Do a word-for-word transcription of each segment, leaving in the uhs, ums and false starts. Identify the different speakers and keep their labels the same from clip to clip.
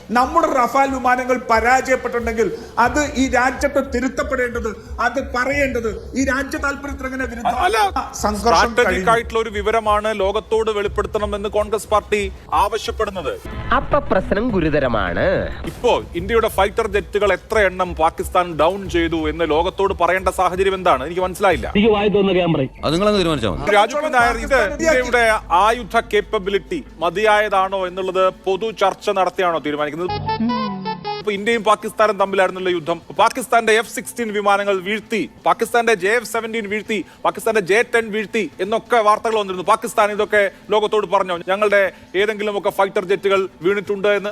Speaker 1: നമ്മുടെ റഫാൽ വിമാനങ്ങൾ പരാജയപ്പെട്ടിട്ടുണ്ടെങ്കിൽ അത് ഈ രാജ്യത്ത് തിരുത്തപ്പെടേണ്ടത്, അത് പറയേണ്ടത് ഈ രാജ്യ താല്പര്യത്തിന് എങ്ങനെ
Speaker 2: ആയിട്ടുള്ള ഒരു വിവരമാണ് ലോകത്തോട് വെളിപ്പെടുത്തണമെന്ന് കോൺഗ്രസ് പാർട്ടി ആവശ്യപ്പെടുന്നത്.
Speaker 3: അപ്പൊ പ്രശ്നം ഗുരുതരമാണ്.
Speaker 2: ഇപ്പോ ഇന്ത്യയുടെ ഫൈറ്റർ ജെറ്റുകൾ എത്ര എണ്ണം പാകിസ്ഥാൻ ഡൗൺ ചെയ്തു എന്ന് ലോകത്തോട് പറയേണ്ട സാഹചര്യം എന്താണ്? എനിക്ക് മനസ്സിലായില്ല. രാജു നായർ, ഇത് ഇന്ത്യയുടെ ആയുധ കേപ്പബിലിറ്റി മതിയായതാണോ എന്നുള്ളത് പൊതു ചർച്ച നടത്തിയാണോ തീരുമാനിക്കുന്നത്? ഇന്ത്യയും പാകിസ്ഥാനും തമ്മിലായിരുന്നുള്ള യുദ്ധം. പാകിസ്ഥാന്റെ എഫ് സിക്സ്റ്റീൻ വിമാനങ്ങൾ വീഴ്ത്തി, പാകിസ്ഥാന്റെ ജെ എഫ് സെവൻറ്റീൻ വീഴ്ത്തി, പാകിസ്ഥാന്റെ ജെ ടെൻ വീഴ്ത്തി എന്നൊക്കെ വാർത്തകൾ വന്നിരുന്നു. പാകിസ്ഥാൻ ഇതൊക്കെ ലോകത്തോട് പറഞ്ഞോ ഞങ്ങളുടെ ഏതെങ്കിലും ഒക്കെ ഫൈറ്റർ ജെറ്റുകൾ വീണിട്ടുണ്ട് എന്ന്?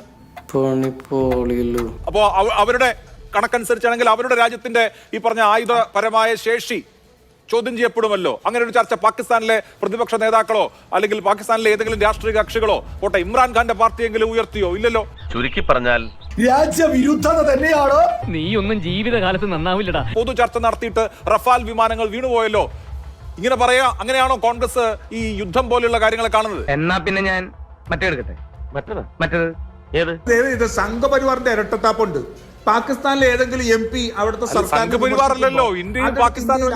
Speaker 2: അപ്പോ അവരുടെ കണക്കനുസരിച്ചാണെങ്കിൽ അവരുടെ രാജ്യത്തിന്റെ ഈ പറഞ്ഞ ആയുധപരമായ ശേഷി ചോദ്യം ചെയ്യപ്പെടുമല്ലോ. അങ്ങനെ ഒരു ചർച്ച പാകിസ്ഥാനിലെ പ്രതിപക്ഷ നേതാക്കളോ അല്ലെങ്കിൽ പാകിസ്ഥാനിലെ ഏതെങ്കിലും രാഷ്ട്രീയ കക്ഷികളോ പോട്ടെ ഇമ്രാൻഖാന്റെ പാർട്ടിയെങ്കിലും ഉയർത്തിയോ? ഇല്ലല്ലോ.
Speaker 4: ചുരുക്കി പറഞ്ഞാൽ
Speaker 5: രാജ്യവിരുദ്ധത തന്നെയാണോ?
Speaker 3: നീ ഒന്നും ജീവിതകാലത്ത് നന്നാവില്ലടാ.
Speaker 2: പൊതു ചർച്ച നടത്തിയിട്ട് റഫാൽ വിമാനങ്ങൾ വീണുപോയല്ലോ, ഇങ്ങനെ പറയാ. അങ്ങനെയാണോ കോൺഗ്രസ് ഈ യുദ്ധം പോലെയുള്ള കാര്യങ്ങളെ കാണുന്നത്?
Speaker 3: എന്നാ പിന്നെ ഞാൻ മറ്റേ എടുക്കട്ടെ. മറ്റേത് മറ്റേത് ഏത്?
Speaker 1: ഇത് സംഘപരിവാറിന്റെ ഇരട്ടത്താപ്പുണ്ട്. പാകിസ്ഥാനിലെ ഏതെങ്കിലും എം പി അവിടുത്തെ
Speaker 2: സംഘപരിവാറല്ലോ ഇന്ത്യയും പാകിസ്ഥാനും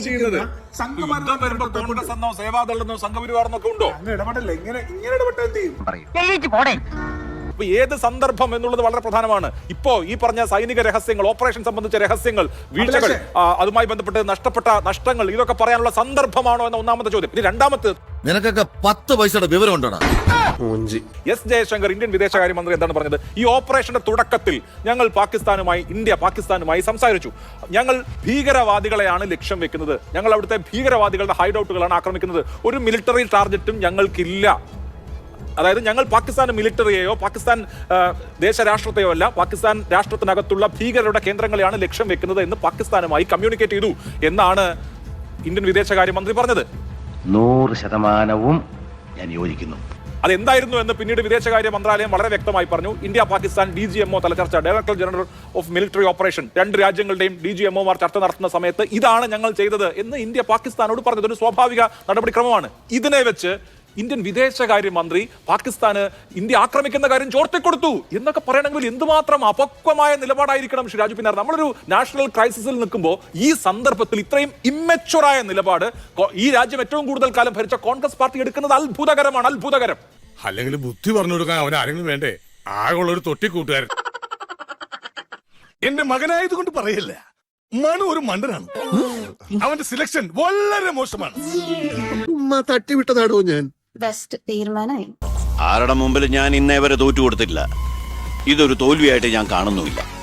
Speaker 2: കോൺഗ്രസ് എന്നോ സേവാദൾ എന്നോ സംഘപരിവാറെന്നൊക്കെ ഉണ്ടോ?
Speaker 1: ഇടപെടല്ലേ? ഇങ്ങനെ ഇങ്ങനെ ഇടപെട്ട് എന്ത് ചെയ്യും?
Speaker 2: അപ്പൊ ഏത് സന്ദർഭം എന്നുള്ളത് വളരെ പ്രധാനമാണ്. ഇപ്പോ ഈ പറഞ്ഞ സൈനിക രഹസ്യങ്ങൾ, ഓപ്പറേഷൻ സംബന്ധിച്ച രഹസ്യങ്ങൾ, വീഴ്ചകൾ, അതുമായി ബന്ധപ്പെട്ട് നഷ്ടപ്പെട്ട നഷ്ടങ്ങൾ, ഇതൊക്കെ പറയാനുള്ള സന്ദർഭമാണോ എന്ന ഒന്നാമത്തെ ചോദ്യം. ഇനി രണ്ടാമത്തെ,
Speaker 6: നിനക്കൊക്കെ പത്ത് പൈസയുടെ വിവരം ഉണ്ടോ?
Speaker 2: എസ് ജയശങ്കർ ഇന്ത്യൻ വിദേശകാര്യമന്ത്രി എന്താണ് പറഞ്ഞത്? ഈ ഓപ്പറേഷന്റെ തുടക്കത്തിൽ ഞങ്ങൾ പാകിസ്ഥാനുമായി ഇന്ത്യ പാകിസ്ഥാനുമായി സംസാരിച്ചു. ഞങ്ങൾ ഭീകരവാദികളെയാണ് ലക്ഷ്യം വെക്കുന്നത്, ഞങ്ങൾ അവിടുത്തെ ഭീകരവാദികളുടെ ഹൈഡൌട്ടുകളാണ് ആക്രമിക്കുന്നത്, ഒരു മിലിറ്ററി ടാർഗറ്റും ഞങ്ങൾക്കില്ല. അതായത് ഞങ്ങൾ പാകിസ്ഥാൻ മിലിറ്ററിയെയോ പാകിസ്ഥാൻ ദേശരാഷ്ട്രത്തെയോ അല്ല, പാകിസ്ഥാൻ രാഷ്ട്രത്തിനകത്തുള്ള ഭീകരരുടെ കേന്ദ്രങ്ങളെയാണ് ലക്ഷ്യം വെക്കുന്നത് എന്ന് പാകിസ്ഥാനുമായി കമ്മ്യൂണിക്കേറ്റ് ചെയ്തു എന്നാണ് ഇന്ത്യൻ വിദേശകാര്യമന്ത്രി പറഞ്ഞത്.
Speaker 4: നൂറ് ശതമാനവും ഞാൻ യോജിക്കുന്നു.
Speaker 2: അതെന്തായിരുന്നു എന്ന് പിന്നീട് വിദേശകാര്യ മന്ത്രാലയം വളരെ വ്യക്തമായി പറഞ്ഞു. India Pakistan D G MO തല ചർച്ച, director general of military operation, രണ്ട് രാജ്യങ്ങളുടെയും ഡി ജി എംഒമാർ ചർച്ച നടത്തുന്ന സമയത്ത് ഇതാണ് ഞങ്ങൾ ചെയ്തത് എന്ന് ഇന്ത്യ പാകിസ്ഥാനോട് പറഞ്ഞത് ഒരു സ്വാഭാവിക നടപടിക്രമമാണ്. ഇതിനെ വെച്ച് ഇന്ത്യൻ വിദേശകാര്യമന്ത്രി പാകിസ്ഥാന് ഇന്ത്യ ആക്രമിക്കുന്ന കാര്യം ചോർത്തിക്കൊടുത്തു എന്നൊക്കെ പറയണമെങ്കിൽ എന്തുമാത്രം അപക്വമായ നിലപാടായിരിക്കണം ശ്രീ രാജു പിന്നാർ. നമ്മളൊരു നാഷണൽ ക്രൈസിസിൽ നിൽക്കുമ്പോൾ ഈ സന്ദർഭത്തിൽ ഇത്രയും ഇമ്മച്ചുറായ നിലപാട് ഈ രാജ്യം ഏറ്റവും കൂടുതൽ കാലം ഭരിച്ച കോൺഗ്രസ് പാർട്ടി എടുക്കുന്നത് അത്ഭുതകരമാണ്, അത്ഭുതകരം.
Speaker 7: അല്ലെങ്കിൽ ബുദ്ധി പറഞ്ഞു കൊടുക്കാൻ അവൻ ആരെങ്കിലും വേണ്ടേ? ആകെയുള്ള ഒരു തൊട്ടിക്കൂട്ടുകാരൻ. എന്റെ മകനായത് കൊണ്ട് പറയല്ല, മനു ഒരു മണ്ടനാണ്. അവന്റെ സിലക്ഷൻ വളരെ മോശമാണ്.
Speaker 6: തട്ടിവിട്ടതാണോ ഞാൻ?
Speaker 8: ബെസ്റ്റ് തീരുമാനമായി.
Speaker 9: ആരുടെ മുമ്പിൽ ഞാൻ ഇന്നേ വരെ തോറ്റു കൊടുത്തിട്ടില്ല. ഇതൊരു തോൽവിയായിട്ട് ഞാൻ കാണുന്നുമില്ല.